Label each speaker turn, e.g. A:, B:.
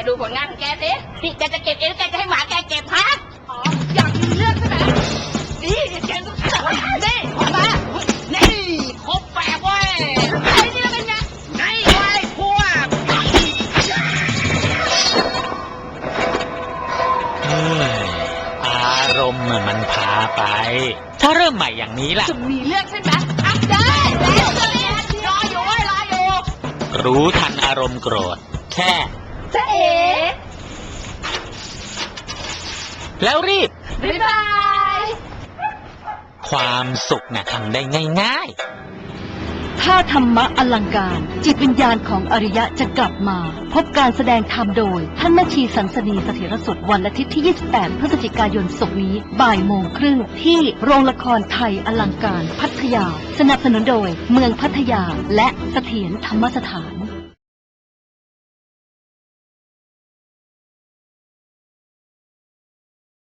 A: ดูผลงานของแกสินี่แกจะเก็บเองแกจะให้หมาแกเก็บฮะอ๋ออยากมีเรื่องใช่ไหมนี่แกต้องนี่ออกมานี่ครบแปดเว้ยไอ้นี่เป็นไงนี่ไว้พวก
B: อารมณ์มันพาไปถ้าเริ่มใหม่อย่างนี้ล่ะ
A: จะมีเรื่องใช่ไหมอัพได้แล้วจะเรียนรออยู่รออยู่
B: รู้ทันอารมณ์โกรธแค่
A: จะเอ๋
B: แล้วรีบ
A: บ๊ายบาย
B: ความสุขน่ะทำได้ง่าย
C: ๆถ้าธรรมะอลังการจิตวิญญาณของอริยะจะกลับมาพบการแสดงธรรมโดยท่านแม่ชีสันสนีเสถียรสุดวันอาทิตย์ที่ 28 พฤศจิกายนศกนี้บ่ายโมงครึ่งที่โรงละครไทยอลังการพัทยาสนับสนุนโดยเมืองพัทยาและเสถียรธรรมสถาน